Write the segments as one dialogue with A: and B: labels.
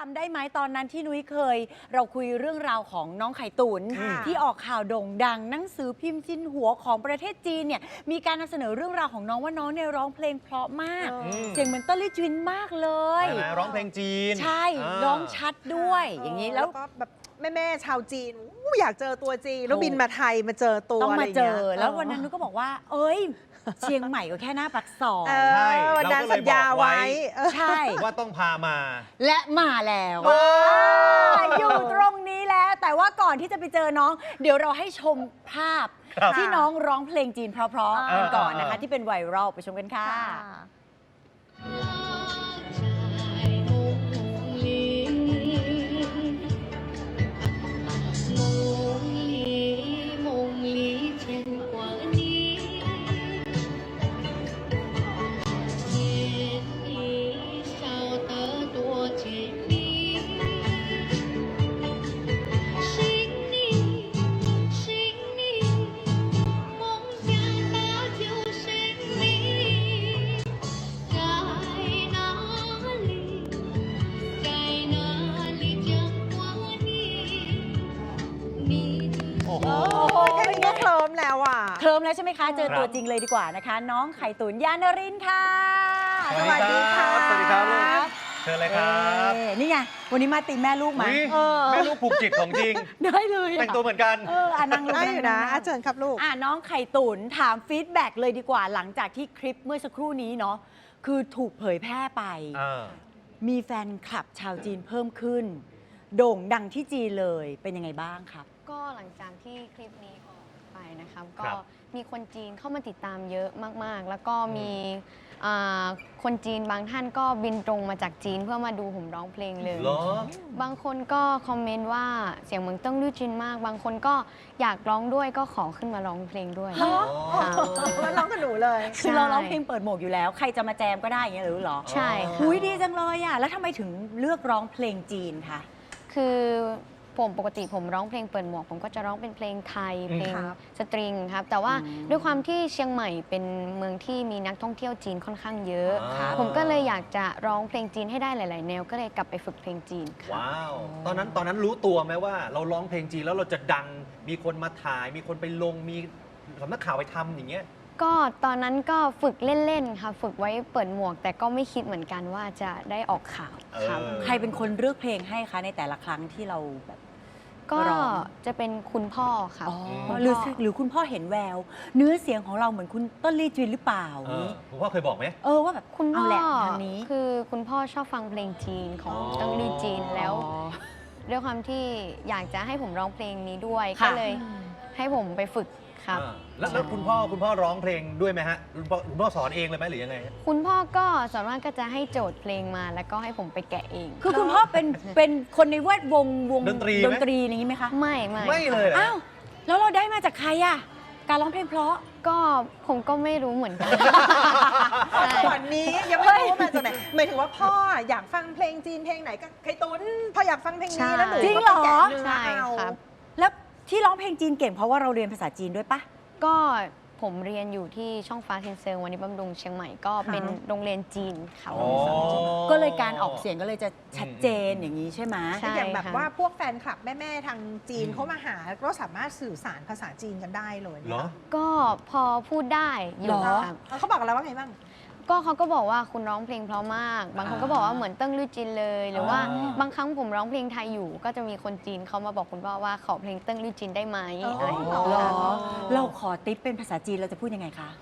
A: ำได้ไหมตอนนั้นที่นุ้ยเคย เราคุยเรื่องราวของน้องไข่ตุนที่ออกข่าวโด่งดังหนังสือพิมพ์จินหัวของประเทศจีนเนี่ยมีการนำเสนอเรื่องราวของน้องว่าน้องเนี่ยร้องเพลงเพราะมากเสียงเหมือนเต้นลี่จวินมากเลย
B: ร้องเพลงจีน
A: ใช่ร้องชัดด้วยอย่างนี้แล้ว
C: ก็แบบแม่ชาวจีนอยากเจอตัวจีนแล้วบินมาไทยมาเจอตัว
A: ต้องมาเจอ
C: อะไร
A: แล้ววันนั้นนุ้ยก็บอกว่าเอ้ยเชียงใหม่ก็แค่หน้าปากซอย
C: ใช่วันนั้นสัญญาไว้
A: ใช่
B: ว่าต้องพามา
A: และมาแล้วอยู่ตรงนี้แล้วแต่ว่าก่อนที่จะไปเจอน้องเดี๋ยวเราให้ชมภาพที่น้องร้องเพลงจีนเพราะๆกันก่อนนะคะที่เป็นไวรัลไปชมกันค่ะ
C: แค่นี้ก็เคลิ้มแล้วอ่ะ
A: เคลิ้มแล้วใช่ไหมคะเจอตัวจริงเลยดีกว่านะคะน้องไข่ตุ๋นยานรินทร์ค่ะ
B: สวัสดีครับสวัสดีครับลูกเชิญเลยครับ
A: นี่ไงวันนี้มาตีแม่ลูกมา
B: แม่ลูกผูกจิตของจริง
A: ได้เลย
B: แต่งตัวเหมือนกัน
A: นั่งลูก
C: ได้อยู่นะเชิญครับลูก
A: น้องไข่ตุ๋นถามฟีดแบ็กเลยดีกว่าหลังจากที่คลิปเมื่อสักครู่นี้เนาะคือถูกเผยแพร่ไปมีแฟนคลับชาวจีนเพิ่มขึ้นโด่งดังที่จีนเลยเป็นยังไงบ้างครับ
D: ก็หลังจากที่คลิปนี้ออกไปนะครับก็มีคนจีนเข้ามาติดตามเยอะมากๆแล้วก็มีคนจีนบางท่านก็บินตรงมาจากจีนเพื่อมาดูผมร้องเพลงเลยบางคนก็คอมเมนต์ว่าเสียงเหมือนเติ้งลู่จินมากบางคนก็อยากร้องด้วยก็ขอขึ้นมาร้องเพลงด้วย
C: มาร้องกับหนูเลย
A: คือเราร้องเพลงเปิดหมวกอยู่แล้วใครจะมาแจมก็ได้อย่างเงี้ยหรือหรอ
D: ใช่
A: หุ้ยดีจังเลยอ่ะแล้วทำไมถึงเลือกร้องเพลงจีนคะ
D: คือผมปกติผมร้องเพลงเปิดหมวกผมก็จะร้องเป็นเพลงไทยเพลงสตริงครับแต่ว่าด้วยความที่เชียงใหม่เป็นเมืองที่มีนักท่องเที่ยวจีนค่อนข้างเยอะผมก็เลยอยากจะร้องเพลงจีนให้ได้หลายๆแนวก็เลยกลับไปฝึกเพลงจีน
B: ว้าวตอนนั้นรู้ตัวไหมว่าเราร้องเพลงจีนแล้วเราจะดังมีคนมาถ่ายมีคนไปลงมีสำนักข่าวไปทำอย่างเงี้ย
D: ก็ตอนนั้นก็ฝึกเล่นๆค่ะฝึกไว้เปิดหมวกแต่ก็ไม่คิดเหมือนกันว่าจะได้ออกข่าวครับ
A: ใครเป็นคนเลือกเพลงให้คะในแต่ละครั้งที่เราแบบ
D: ก็จะเป็นคุณพ่อค่ะ
A: หรือคุณพ่อเห็นแววเนื้อเสียงของเราเหมือนคุณต้นลี่จวินหรือเปล่า
B: คุณพ่อเคยบอกไหม
A: ว่าแบบ
D: คุณพ่อ
A: ทางนี้
D: คือคุณพ่อชอบฟังเพลงจีนของต้นลี่จีนแล้วด้วยความที่อยากจะให้ผมร้องเพลงนี้ด้วยก็เลยให้ผมไปฝึกครับ
B: แล้วคุณพ่อร้องเพลงด้วยไหมฮะคุณพ่อสอนเองเลยไหมหรือยังไง
D: คุณพ่อก็ส่วนมากก็จะให้โจทย์เพลงมาแล้วก็ให้ผมไปแกะเอง
A: คือคุณพ่อเป็นคนในแวดวงดนตรีอย่างนี้ไหมคะ
D: ไม่
B: เลย
A: อ้าวแล้วเราได้มาจากใครอะการร้องเพลงเพราะ
D: ก็ผมก็ไม่รู้เหมือนกัน
C: ตอนนี้ยังไม่รู้ว่ามาจากไหนหมายถึงว่าพ่ออยากฟังเพลงจีนเพลงไหนก็ไข่ตุ๋นพ่ออยากฟังเพลงนี้แล้วหนูก็แกะเนื้อเอา
A: แล้วที่ร้องเพลงจีนเก่งเพราะว่าเราเรียนภาษาจีนด้วยปะ
D: ก็ผมเรียนอยู่ที่ช่องฟ้าเซนเซอร์วันนี้บำรุงเชียงใหม่ก็เป็นโรงเรียนจีนค่ะ
A: ก็เลยการออกเสียงก็เลยจะชัดเจนอย่างนี้ใช่ไหม
C: อย่างแบบว่าพวกแฟนคลับแม่ทางจีนเขามาหาก็สามารถสื่อสารภาษาจีนกันได้เลย
D: ก็พอพูดได้อยู่
C: ครับเขาบอกอะไรว่าไงบ้าง
D: ก็เขาก็บอกว่าคุณร้องเพลงเพราะมากบางคนก็บอกว่าเหมือนเติ้งลู่จินเลยหรือว่าบางครั้งผมร้องเพลงไทยอยู่ก็จะมีคนจีนเขามาบอกคุณพ่อว่าขอเพลงเติ้งลู่จินได้ไหมอะไรอย่างเงี้ย
A: เราขอติ๊บเป็นภาษาจีนเราจะพูดยังไงคะ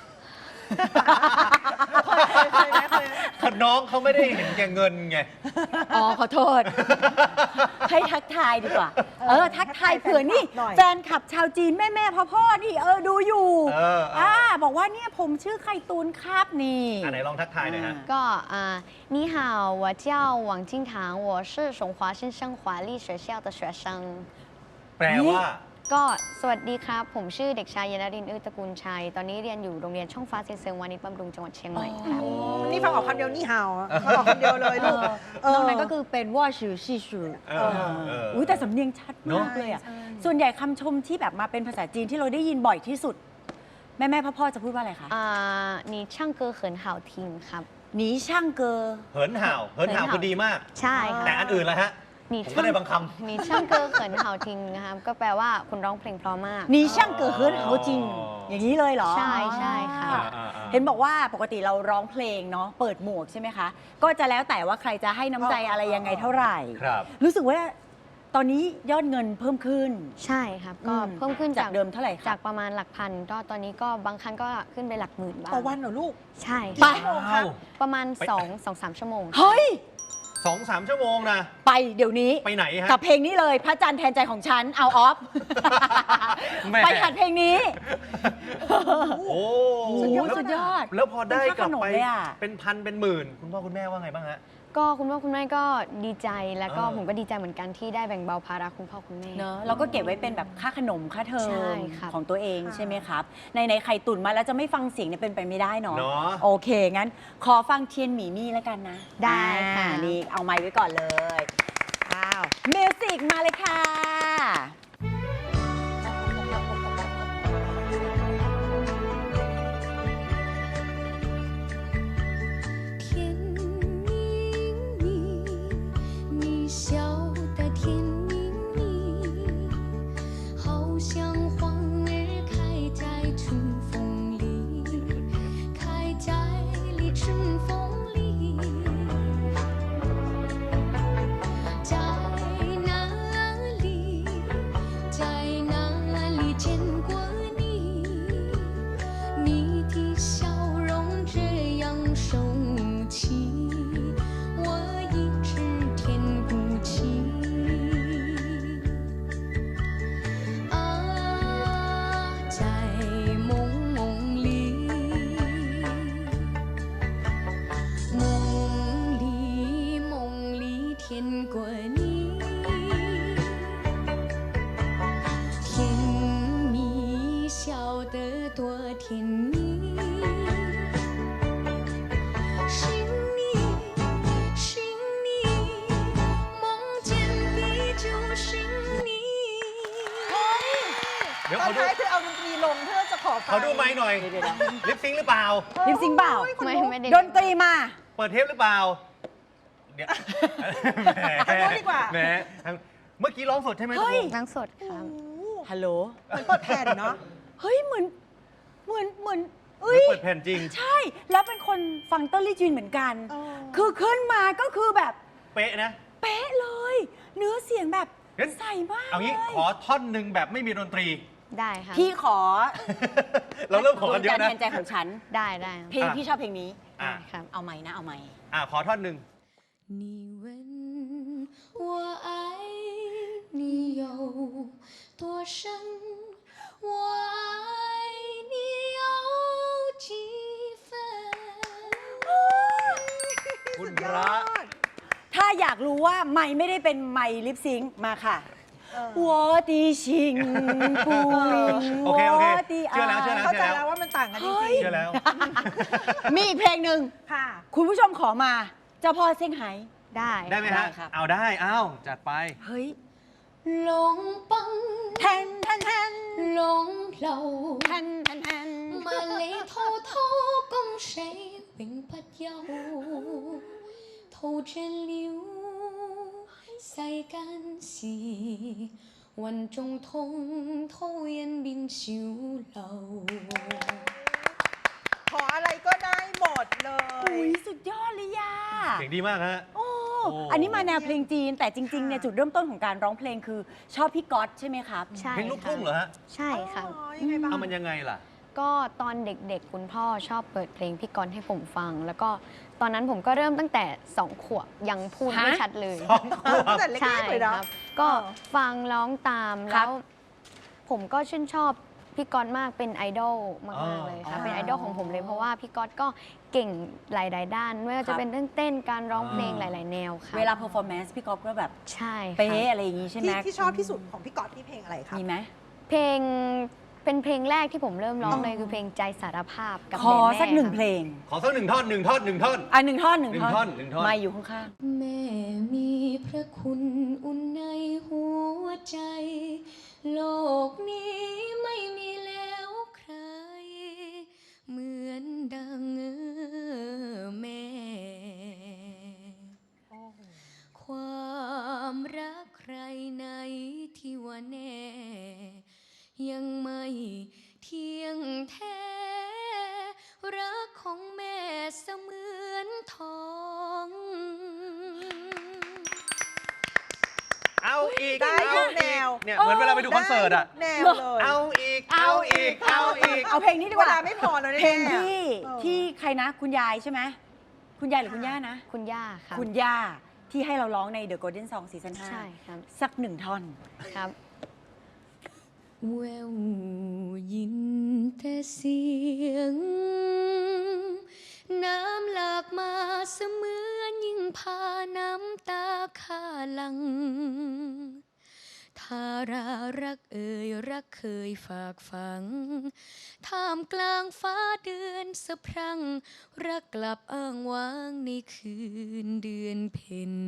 B: น้องเขาไม่ได้เห็นแก่เงินไง
A: ขอโทษให้ทักทายดีกว่าทักทายเผื่อนี่แฟนคลับชาวจีนแม่พ่อนี่ดูอยู่บอกว่าเนี่ยผมชื่อไข่ตูนครับนี่
B: ไหนลองทักทายหน่อยฮะ
D: ก็你好我叫王金堂我是崇华新生华丽学校的学生
B: แปลว่า
D: ก็สวัสดีครับผมชื่อเด็กชายยนรินทร์อึตระกูลชัยตอนนี้เรียนอยู่โรงเรียนช่องฟ้าเซียงเซิงวานิชบำรุงจังหวัดเชียงใหม่ค่ะ
C: นี่ฟังออกคำเดียวนี่ฮาวฟังออกคำเดียวเลยลูก
A: นอกนั้นก็คือเป็นว่าชื่อชี่ชื่อแต่สำเนียงชัดมากเลยอ่ะส่วนใหญ่คำชมที่แบบมาเป็นภาษาจีนที่เราได้ยินบ่อยที่สุดแม่พ่อจะพูดว่าอะไรคะ
D: 你唱歌很好听ครับ
A: หนีช่างเกอ
B: เหินห่าวคือดีมาก
D: ใช่ค่ะ
B: แต่อันอื่นล่ะฮะ
D: หนี
B: ผมก็ได้บางค
D: หนีช่างเกอเขินเห่าทิ้งนะครับก็แปลว่าคุณร้องเพลงเพราะมาก
A: หนีช่างเกอเฮิร์นเขาจริง
B: อ๋อ
A: อ
B: อ
A: ย่างนี้เลยเหรอ
D: ใช่ใช่ค่ะ
A: เห็นบอกว่าปกติเราร้องเพลงเนาะเปิดหมวกใช่ไหมคะ ก็จะแล้วแต่ว่าใครจะให้น้ำใจอะไรยังไงเท่าไหร่
B: ครับ
A: รู้สึกว่าตอนนี้ยอดเงินเพิ่มขึ้น
D: ใช่ครับก็
A: อืม
D: เพิ่มขึ้น
A: จากเดิมเท่าไหร่คะ
D: จากประมาณหลักพันก็ตอนนี้ก็บางครั้งก็ขึ้นไปหลักหมื่นบ้าง
C: ต่อวันเหรอลูก
D: ใช่
A: ไป
D: ค่ะ
B: ว้าว
D: ประมาณ
B: ไป
D: 2-3 ชั่วโมง
A: เฮ้ย
B: 2-3 ชั่วโมงนะ
A: ไปเดี๋ยวนี้
B: ไปไหนฮะ
A: กับเพลงนี้เลยพระจันทร์แทนใจของฉันเอาออฟ
B: แม่
A: ไปหัดเพลงนี้
B: โอ้
A: สุดยอด
B: แล้ว
A: สุดยอด
B: แล้วพอได้กลับ
A: เป็นค่าขนม
B: ไป
A: เลยอะ
B: เป็นพันเป็นหมื่น คุณพ่อคุณแม่ว่าไงบ้างฮะ
D: ก็คุณพ่อคุณแม่ก็ดีใจแล้วก็
B: เออ
D: ผมก็ดีใจเหมือนกันที่ได้แบ่งเบาภาระคุณพ่อคุณแม่
A: เนอะเราก็เก็บไว้เป็นแบบค่าขนมค่าเทอ
D: ใช่
A: ม
D: ครับ
A: ของตัวเอง
C: ค่ะ
A: ใช่ไหมครับ ในไข่ตุ๋นมาแล้วจะไม่ฟังเสียงเนี่ยเป็นไปไม่ได้เนาะ
B: เนาะ
A: โอเค งั้นขอฟังเทียนหมีมี่แล้วกันนะ
D: ได้ค่ะ
A: นี่เอาไมค์ไว้ก่อนเลยอ้าวมิวสิกมาเลยค่ะ
E: 天明明，你笑得甜蜜蜜，好像花儿开在春风里，开在春风里。在哪里，在哪里见过你？你的笑容这样熟悉，我一直填不起。啊，在梦里，梦里甜过你，甜蜜笑得多甜蜜。是你，是你，梦见的就是你。
B: เดี๋ยว
C: ตอน
B: เขาดู
C: ท้ายคือเอาดนตรีลงเพื่อจะขอฟัง
B: เขาดูไม้หน่อย
A: เดี๋ยว
B: ลิปซิงค์หรือเปล่า
A: ลิปซิงค์เปล่า
D: ไม่ได้
A: ดนตรีมา
B: เปิดเทปหรือเปล่า เดี๋ยว
C: ทางโน้นดีกว่า
B: แหมเมื่อกี้ร้องสดใช่ไหม
A: เฮ้ย
D: นั่งสดครับ
A: ฮัลโหล
C: เหมือนเปิดแผ่นเนาะ
A: เฮ้ย เหมือนเอ้
B: ไม่
A: ย
B: เปิดแผ่นจริง
A: ใช่ แล้วเป็นคนฟังเต้นลี่จีนเหมือนกัน คือขึ้นมาก็คือแบบ
B: เป๊ะนะ
A: เป๊ะเลย เนื้อเสียงแบบ
B: งั้น
A: ใสมาก
B: เอางี้
A: เลย
B: ขอท่อนหนึ่งแบบไม่มีดนตรี
D: ได้ครับ
A: พี่ขอ
B: เราเริ่มขอกันเยอะ
A: ดวงจั
B: นะ
A: ทร์แทนใจของฉัน
D: ได้ครับ
A: เพลงพี่ชอบเพลงนี้
B: อ่ะ
D: ครับ
A: เอาไหมนะเอาไหม
B: ขอท่อนหนึ่ง
E: 你问我爱你有多深，我爱你有几分？
B: คุณพระ
A: ถ้าอยากรู้ว่าไม่ได้เป็นไม่ลิปซิงค์มาค่ะ我的心不灵
B: โอเคโอเค
A: 我的
B: เชื่อแล้วเชื่อแล้ว
C: เข้าใจแล้วว่ามันต่างกันจริง
B: เชื่อแล้ว
A: มีอีกเพลงหนึ่ง
C: ๆค่ะ
A: คุณผู้ชมขอมา เจ้าพ่อเซี่ยงไฮ้
D: ได้
B: ได้ไหม
A: ได้
B: ฮะ
A: ครับ
B: เอาได้ เอาจัดไป
A: เฮ้ย
E: 龙帮
A: แทนแทนแทน
E: 龙楼，
A: แทนแทนแทน
E: 万里滔滔江水永不休，淘盡了世間事，雲中滔滔因變小流。
C: ขออะไรก็ได้หมดเล
A: อุ้
C: ย
A: ยสุดยอดเลยย่า
B: เสียงดีมากฮะ
A: โอ้
B: โอ้
A: อันนี้มาแนวเพลงจีน แต่จริงๆเนี่ยจุดเริ่มต้นของการร้องเพลงคือชอบพี่ก๊อตใช่ไหมครับ
D: ใช่
B: เพลงลูกทุ่งเหรอฮะ
D: ใช่ครับ
C: อ๋อยังไงบ้าง
B: เอามันยังไงล่ะ
D: ก็ตอนเด็กๆ คุณพ่อชอบเปิดเพลงพี่กรณ์ให้ผมฟัง แล้วก็ตอนนั้นผมก็เริ่มตั้งแต่ 2 ขวบยังพูดไม่
A: ฮะ
D: ชัดเลย
C: ตั้งแต่เล็
D: ใช่
C: กๆเลยเนาะ
D: ครับ ก็ฟังร้องตาม
A: ครั
D: แล้
A: บ
D: ว ผมก็ชื่นชอบพี่กรณ์มากเป็นไอดอลมากๆเลยค่ะ
A: อ๋อ
D: เป็นไอดอลของผมเลยเพราะว่าพี่กรณ์ก็เก่งหลายๆด้านไม่ว่า
A: ครั
D: จะ
A: บ
D: เป็นเรื่องเต้นการร้องเพลง
B: อ่า
D: หลาย ๆ แนวค่ะ
A: เวลาเพอร์ฟอร์แมนซ์พี่ก๊อตก็แบบ
D: ใช่ค่ะ
A: เป๊ะอะไรอย่างงี้ใช่ไหม
C: ที่ชอบที่สุดของพี่ก๊อตนี่เพลงอะไรครับ
A: มีไหม
D: เพลงเป็นเพลงแรกที่ผมเริ่มร้องเลยคือเพลงใจสารภาพกับ
A: ขอ
D: แม่
A: สักหนึ่ง
D: ค่ะ
A: เพลง
B: ขอสักหนึ่งท่อนหนึ่งท่อนหนึ่งท่อน
A: อ่ะหนึ่งท่อนหนึ่ง
B: หนึ่งท่อนหนึ่งท่อน
A: ไม่อยู่ข้าง
E: แม่มีพระคุณอุ่นในหัวใจ โลกนี้ไม่มีแล้วใคร เหมือนดังแม่
B: เนี่ยเหมือนเวลาไปดูคอนเสิร์ตอะ
C: แนวเลย
B: เอาอีก เอาอีก เอาอีก
A: เอาเพลงนี้ดีก
C: เว
A: ว่า
C: ลาไม่พอแล้ว
A: เพลง
C: แน่ๆ
A: ที่
C: เออ
A: ที่ใครนะ คุณยายใช่ไหมคุณยายหรือคุณย่านะ
D: คุณย่าครับ
A: คุณย่าที่ให้เราร้องใน The Golden Song ซีซั่น
D: ใช่ครับ
A: 5สักหนึ่งท่อน
D: ครับ
E: แววยินแต่เสียง น้ำหลากมาเสมือนยิ่งพาน้ำตาข้าหลัง ทารารักเอ่ยรักเคยฝากฝัง ท่ามกลางฟ้าเดือนสะพรั่ง รักกลับอ้างว้างในคืนเดือนเพ็ญ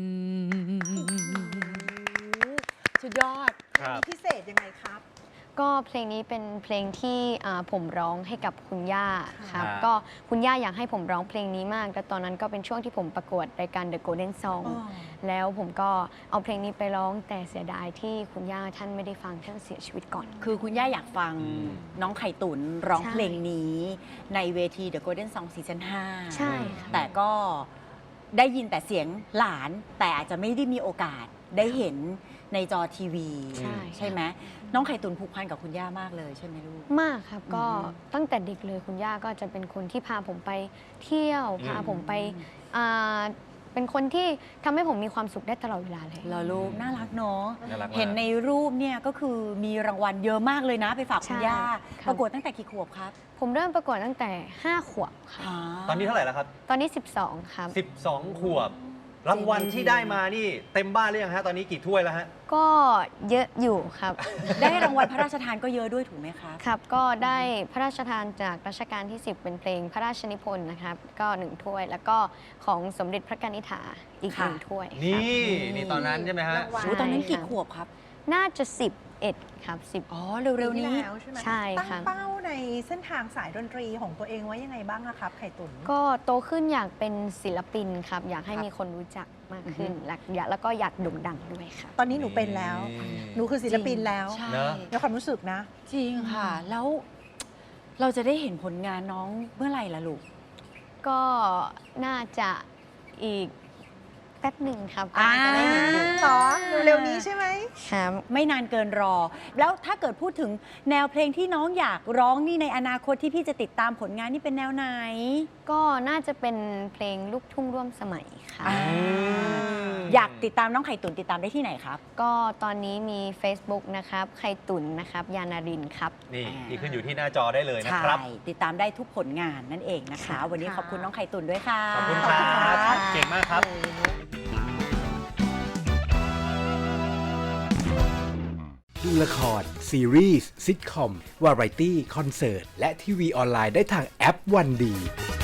A: สุดยอด
B: ครับ
C: มีพิเศษยังไงครับ
D: ก็เพลงนี้เป็นเพลงที่ผมร้องให้กับคุณย่าครับ
B: ค่ะ
D: ก็คุณย่าอยากให้ผมร้องเพลงนี้มาก แต่ตอนนั้นก็เป็นช่วงที่ผมประกวดรายการ The Golden Song
C: อ๋อ
D: แล้วผมก็เอาเพลงนี้ไปร้องแต่เสียดายที่คุณย่าท่านไม่ได้ฟังท่านเสียชีวิตก่อน
A: คือคุณย่าอยากฟัง
B: อืม
A: น้องไข่ตุนร้อง
D: ใช่
A: เพลงนี้ในเวที The Golden Song ซีซั่น 5
D: ใช่ค่ะ
A: แต่ก็ได้ยินแต่เสียงหลาน แต่อาจจะไม่ได้มีโอกาสได้เห็นในจอทีวี
D: ใช่
A: ไหมน้องไข่ตุนผูกพันกับคุณย่ามากเลยใช่ไหมลูก
D: มากครับก็
A: อืม
D: ตั้งแต่เด็กเลยคุณย่าก็จะเป็นคนที่พาผมไปเที่ยว พาผมไปอ่าเป็นคนที่ทำให้ผมมีความสุขได้ตลอดเวลาเลย
A: เหรอลูกน่ารักเนาะ
B: น่ารักมาก
A: เห็นในรูปเนี่ยก็คือมีรางวัลเยอะมากเลยนะ ไปฝากคุณ
D: ใช่
A: ย่า
D: ครับ
A: ประกวดตั้งแต่กี่ขวบครับ
D: ผมเริ่มประกวดตั้งแต่ 5 ขวบค่ะ
B: ตอนนี้เท่าไหร่แล้วครับ
D: ตอนนี้ 12 ครับ
B: 12 ขวบ รางวัลที่ได้มานี่เต็มบ้านหรือยังฮะ ตอนนี้กี่ถ้วยแล้วฮะ
D: ก็เยอะอยู่ครับ
A: ได้รางวัลพระราชทานก็เยอะด้วยถูกไหมครับ
D: ครับ ก็ได้พระราชทานจากรัชกาลที่ 10 เป็นเพลงพระราชนิพนธ์นะครับ ก็1ถ้วย แล้วก็ของสมเด็จพระกนิษฐาอีก
A: ค่ะ
D: 1ถ้วยครับ
B: นี่ตอนนั้นใช่ไหมฮะ
C: รางวัล
A: โอ้ตอนนั้นกี่
D: ใช่ค่ะ
A: ขวบครับ
D: น่าจะ 11 ครับ 10
A: อ๋อ เร็วๆนี้
C: ปีที่แล้วใช่ไหม
D: ใช่
C: ตั้ง
D: ครับ
C: เป้าในเส้นทางสายดนตรีของตัวเองไว้ยังไงบ้างอะครับ ไข่ตุ๋น
D: ก็โตขึ้นอยากเป็นศิลปินครับ อยากให้
A: ครับ
D: มีคนรู้จักมากขึ้น
A: อือฮึ
D: แล้วก็อยากโด่งดังด้วยครับ
C: ตอนนี้หนูเป็นแล้ว หนูคือศิลปินแล้ว
A: ใช่
B: เนอะ
C: ในความรู้สึกนะ
A: จริงค่ะ แล้วเราจะได้เห็นผลงานน้องเมื่อไหร่ล่ะลูก
D: ก็น่าจะอีกแป๊บหนึ่งครับ
A: อ่า
D: จะได้เห็นอยู่
C: เหรอเร็วๆนี้ใช่ไหม
D: ครับ
A: ไม่นานเกินรอ แล้วถ้าเกิดพูดถึงแนวเพลงที่น้องอยากร้องนี่ในอนาคตที่พี่จะติดตามผลงานนี่เป็นแนวไหน
D: ก็น่าจะเป็นเพลงลูกทุ่งร่วมสมัยค่ะ
A: อ่าอยากติดตามน้องไข่ตุ๋นติดตามได้ที่ไหนครับ
D: ก็ตอนนี้มี Facebook นะครับไข่ตุ๋นนะครับยานารินครับ
B: นี่
A: อ่า
B: ที่ขึ้นอยู่ที่หน้าจอได้เลยนะ
A: ใช่
B: ครับ
A: ติดตามได้ทุกผลงานนั่นเองนะคะ
D: ค่ะ
A: วันนี้ขอบคุณน้องไข่ตุ๋นด้วยค่ะ
B: ขอบคุณครับ
A: ค่ะ
B: เก่งมากครับ
F: ดูละคร ซีรีส์ซิทคอม วาไรตี้ คอนเสิร์ต และทีวีออนไลน์ได้ทางแอปวันดี